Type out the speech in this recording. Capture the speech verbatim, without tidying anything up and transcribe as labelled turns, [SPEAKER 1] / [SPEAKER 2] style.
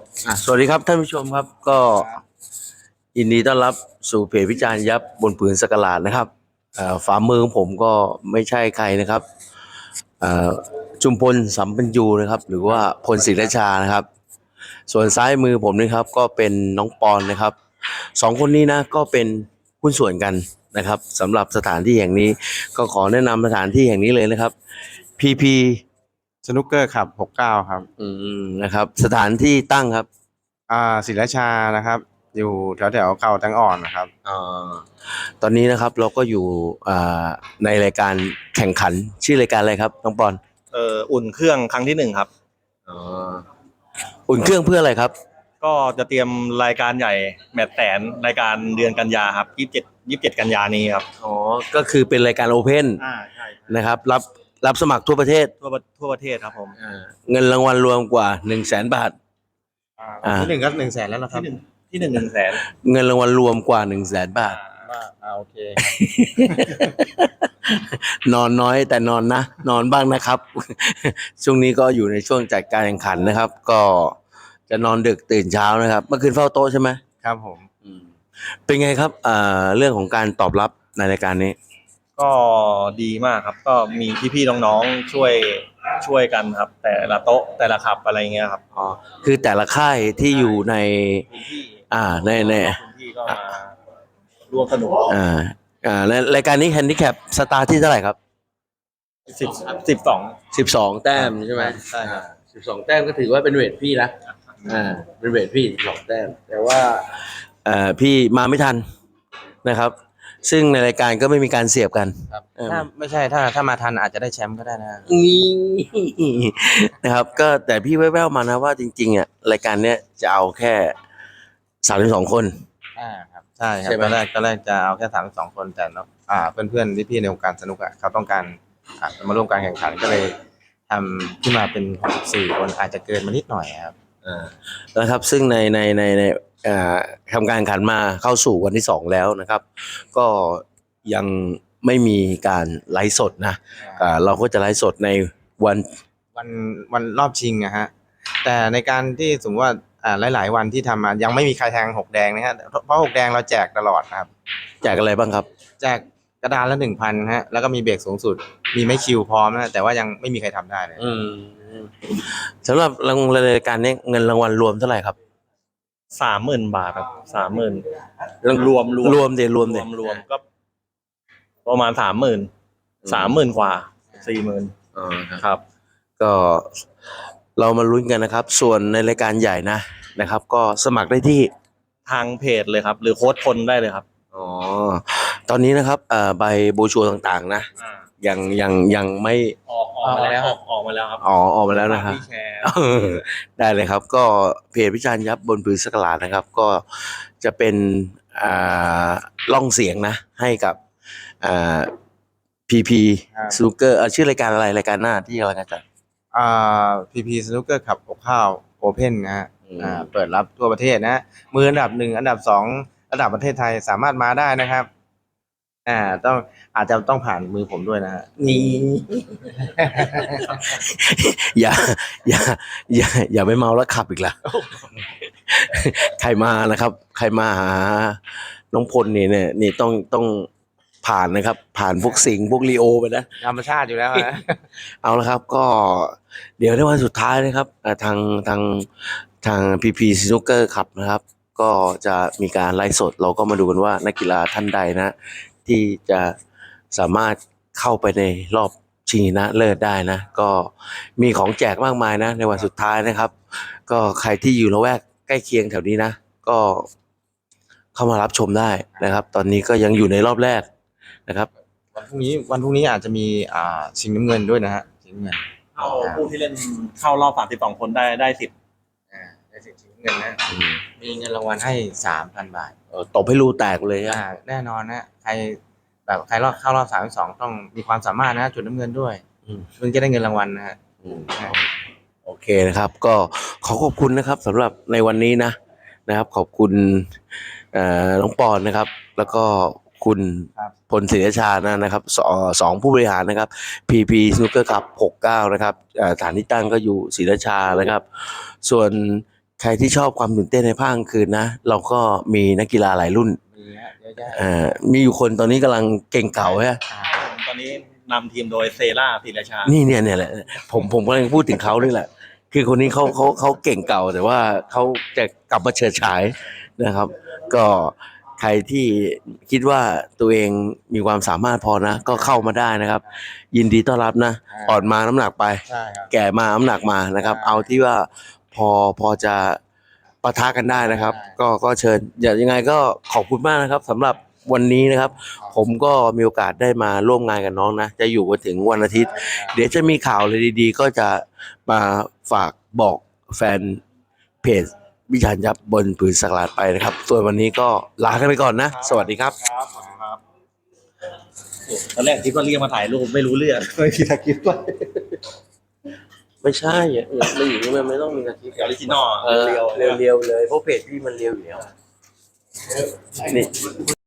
[SPEAKER 1] อ่ะสวัสดีครับท่านผู้ชมครับก็ยินดีต้อนรับสู่เพจวิจารณ์ยับบนผืนสักหลาดนะครับเอ่อฝ่ามือของผมก็ไม่ใช่ใครนะครับเอ่อจุมพลสัมปัญญูนะครับหรือว่าพลศิรชานะครับส่วนซ้ายมือผมนี่ครับก็เป็นน้องปอนนะครับสองคนนี้นะก็เป็นหุ้นส่วนกันนะครับสำหรับสถานที่แห่งนี้ก็ขอแนะนำสถานที่แห่งนี้เลยนะครับ พี พี
[SPEAKER 2] สนุกเกอร์ครับหกเก้าครับ
[SPEAKER 1] อืมนะครับสถานที่ตั้งครับ
[SPEAKER 2] อ่าศิลาชานะครับ อยู่แถวแถวเขาตังอ่อนนะครับ
[SPEAKER 1] อ่าตอนนี้นะครับเราก็อยู่อ่าในรายการแข่งขันชื่อรายการอะไรครับน้องปอน
[SPEAKER 3] เอ่ออุ่นเครื่องครั้งที่หนึ่งครับ
[SPEAKER 1] อ๋ออุ่นเครื่องเพื่ออะไรครับ
[SPEAKER 3] ก็จะเตรียมรายการใหญ่แมตช์แสนรายการเดือนกันยาครับยี่สิบเจ็ดยี่สิบเจ็ดกันยานี้ครับ
[SPEAKER 1] อ๋อก็คือเป็นรายการโอเพน
[SPEAKER 3] อ่าใช่
[SPEAKER 1] นะครับรับรับสมัครทั่วประเทศ
[SPEAKER 3] ทั่วทั่วประเทศครับผม
[SPEAKER 1] อ่าเงินรางวัลรวมกว่าหนึ่งแสนบาท
[SPEAKER 2] อ่าที่หนึ่งก็หนึ่งแสนแล้วนะครั
[SPEAKER 3] ที่
[SPEAKER 2] บ
[SPEAKER 3] หนึ่งที่หนึ่งหนึ่งแสน
[SPEAKER 1] เงินรางวัลรวมกว่าหนึ่งแสนบาท
[SPEAKER 2] ว่าอ่าโอเค
[SPEAKER 1] นอนน้อยแต่นอนนะนอนบ้างนะครับ ช่วงนี้ก็อยู่ในช่วงจัดการแข่งขันนะครับ ก็จะนอนดึกตื่นเช้านะครับเมื่อคืนเฝ้าโต๊ะใช่ไหม
[SPEAKER 2] ครับผม
[SPEAKER 1] อืมเป็นไงครับอ่าเรื่องของการตอบรับในรายการนี้
[SPEAKER 3] ก็ดีมากครับก็มีพี่ๆน้องๆช่วยช่วยกันครับแต่ละโต๊ะแต่ละขับอะไรเงี้ยครับ
[SPEAKER 1] อ๋อคือแต่ละค่ายที่อยู่ใน
[SPEAKER 3] พื้นที่
[SPEAKER 1] อ่าในใน
[SPEAKER 3] พื้นที่ก็มาร่วมสนุก
[SPEAKER 1] อ่าอ่าในรายการนี้แฮนดิแคปสตาร์ที่เท่าไหร่ครับ
[SPEAKER 3] สิบสิบสอง
[SPEAKER 1] สิบสองแต้มใช่ไหม
[SPEAKER 3] ใช่ครับ
[SPEAKER 1] สิบสองแต้มก็ถือว่าเป็นเวทพี่นะอ่าเป็นเวทพี่สิบสองแต้มแต่ว่าเอ่อพี่มาไม่ทันนะครับ ซึ่งในรายการก็ไม่มีการเสียบกัน
[SPEAKER 2] ครับถ้าไม่ใช่ถ้าถ้ามาทันอาจจะได้แชมป์ก็ได้นะ
[SPEAKER 1] นี่นะครับ ก็แต่พี่แว่วๆมานะว่าจริงๆอ่ะรายการเนี้ยจะเอาแค่สามสิบสองคน
[SPEAKER 2] อ่าครับใช่ครับตอนแรกตอนแรกจะเอาแค่สามสองคนแต่เนาะอ่าเพื่อนเพื่อนที่พี่ในวงการสนุกอ่ะเขาต้องการอ่ามาร่วมการแข่งขันก็เลยทำขึ้นมาเป็นสี่คนอาจจะเกินมานิดหน่อยครับ
[SPEAKER 1] อ่านะครับซึ่งในในในในอ่าทำการแข่งขันมาเข้าสู่วันที่สองแล้วนะครับ ก็ยังไม่มีการไลฟ์สดนะอ่าเราก็จะไลฟ์สดในวัน
[SPEAKER 2] วันวันรอบชิงนะฮะแต่ในการที่สมมติว่าอ่าหลายๆวันที่ทำมายังไม่มีใครแทงหกแดงนะฮะเพราะหกแดงเราแจกตลอดนะครับ
[SPEAKER 1] แจกอะไรบ้างครับ
[SPEAKER 2] แจกกระดานละหนึ่งพันฮะแล้วก็มีเบรกสูงสุดมีไม่คิวพร้อมนะแต่ว่ายังไม่มีใครทำได้เลย
[SPEAKER 1] อืมสำหรับรางวัลรายการนี้เงินรางวัลรวมเท่าไหร่ครับ
[SPEAKER 3] สามหมื่นบาทครับสามหมื่นรวมรวม
[SPEAKER 1] รวมเดี๋ยวรวมเดี๋ยว
[SPEAKER 3] รวมก็ประมาณสามหมื่นสามหมื่นกว่าสี่หมื่น
[SPEAKER 1] อ๋อครับก็เรามาลุ้นกันนะครับ ส่วนในรายการใหญ่นะนะครับ ก็สมัครได้ที่
[SPEAKER 3] ทางเพจเลยครับ หรือโค้ดคนได้เลยครับ
[SPEAKER 1] อ๋อตอนนี้นะครับเอ่อใบโบชัวต่างๆนะยังยังยังไม่
[SPEAKER 3] ออกออกมาแล้วออกมาแล้วครับ
[SPEAKER 1] อ๋อออกมาแล้วนะครับได้เลยครับ ก็เพจวิจารณ์ยับบนผืนสักหลาดนะครับ ก็จะเป็นอ่าล่องเสียงนะ ให้กับอ่าพีพีสนุกเกอร์ชื่อรายการอะไรรายการหน้าที่กำลังจะจัด
[SPEAKER 2] อ่าพีพีสนุกเกอร์ขับหกข้าวโอเพนนะฮะอ่าเปิดรับทั่วประเทศนะมืออันดับหนึ่งอันดับสองระดับประเทศไทยสามารถมาได้นะครับอ่าต้องอาจจะต้องผ่านมือผมด้วยนะฮะ
[SPEAKER 1] นี่ อย่าอย่าอย่าอย่าไปเมาแล้วขับอีกละ ใครมานะครับ ใครมาหาน้องพลนี่เนี่ยนี่ต้องต้องผ่านนะครับ ผ่านพวกสิงห์พวกลีโอไปนะ
[SPEAKER 2] ธรรมชาติอยู่แล้วนะ
[SPEAKER 1] เอาละครับก็เดี๋ยวในวันสุดท้ายนะครับทางทางทางพีพีสนุกเกอร์ขับนะครับ ก็จะมีการไลฟ์สดเราก็มาดูกันว่านักกีฬาท่านใดนะ ที่จะสามารถเข้าไปในรอบชิงชนะเลิศได้นะ ก็มีของแจกมากมายนะในวันสุดท้ายนะครับ ก็ใครที่อยู่ละแวกใกล้เคียงแถวนี้นะ ก็เข้ามารับชมได้นะครับ ตอนนี้ก็ยังอยู่ในรอบแรกนะครับ
[SPEAKER 2] วันพรุ่งนี้วันพรุ่งนี้อาจจะมีอ่าชิงน้ำเงินด้วยนะฮะชิงน้ำเงิน
[SPEAKER 3] เข้าผู้ที่เล่นเข้ารอบสามสิบสองคนได้ได้สิบ
[SPEAKER 2] อ่าได้สิบชิงน้ำเงินนะมีเงินรางวัลให้สามพันบาท
[SPEAKER 1] เออตบให้รูแตกเลย
[SPEAKER 2] อ่าแน่นอนนะใครแบบใครรอบเข้ารอบสามสิบสองต้องมีความสามารถนะจุดน้ำเงินด้วยมึงจะได้เงินรางวัลนะฮะ
[SPEAKER 1] โอเคนะครับ ก็ขอขอบคุณนะครับสำหรับในวันนี้นะนะครับ ขอบคุณน้องปอนนะครับ แล้วก็คุณพลศิริชานะนะครับสสองผู้บริหารนะครับ พี พี Snooker Cup หกสิบเก้านะครับฐานที่ตั้งก็อยู่ศิริชานะครับ ส่วนใครที่ชอบความตื่นเต้นในภาคกลางคืนนะ เราก็มีนักกีฬาหลายรุ่น
[SPEAKER 2] มีฮะเยอะแยะ
[SPEAKER 1] อ่ามีอยู่คนตอนนี้กำลังเก่งเก่าใช่ไหม
[SPEAKER 3] ตอนนี้นำทีมโดยเซราธีรชา
[SPEAKER 1] นี่เนี่ยเนี่ยแหละผมผมกำลังพูดถึงเขานี่แหละ คือคนนี้เขาเขาเขาเก่งเก่าแต่ว่าเขาจะกลับมาเฉิดฉายนะครับ ก็ใครที่คิดว่าตัวเองมีความสามารถพอนะ ก็เข้ามาได้นะครับ ยินดีต้อนรับนะ
[SPEAKER 2] อ่า
[SPEAKER 1] อ่อนมาน้ำหนักไป
[SPEAKER 2] ใช่ครับ
[SPEAKER 1] แก่มาน้ำหนักมานะครับ
[SPEAKER 2] ใช่
[SPEAKER 1] เอาที่ว่าพอพอจะปะทะกันได้นะครับ
[SPEAKER 2] ใช่
[SPEAKER 1] ก็ก็เชิญอย่างยังไงก็ขอบคุณมากนะครับสำหรับวันนี้นะครับ ผมก็มีโอกาสได้มาร่วมงานกับน้องนะ จะอยู่กันถึงวันอาทิตย์ เดี๋ยวจะมีข่าวอะไรดีๆ ก็จะมาฝากบอกแฟนเพจวิชาญยับบนผืนสักหลาดไปนะครับ ส่วนวันนี้ก็ลากันไปก่อนนะ สวัสดีครับ
[SPEAKER 3] ครับครับตอนแรกคิดว่าเรียกมาถ่ายรูปไม่รู้เรื่องไม่คิดจะคิดว่า
[SPEAKER 1] ไม่ใช่อย่างอื่นไม่อย่างนี้มันไม่ต้องมีนาที
[SPEAKER 3] ออริจินอล
[SPEAKER 1] เออ
[SPEAKER 3] เรียวๆ
[SPEAKER 1] เรียวๆเลยเพราะเพจพี่มันเรียวอยู่แล้วนี่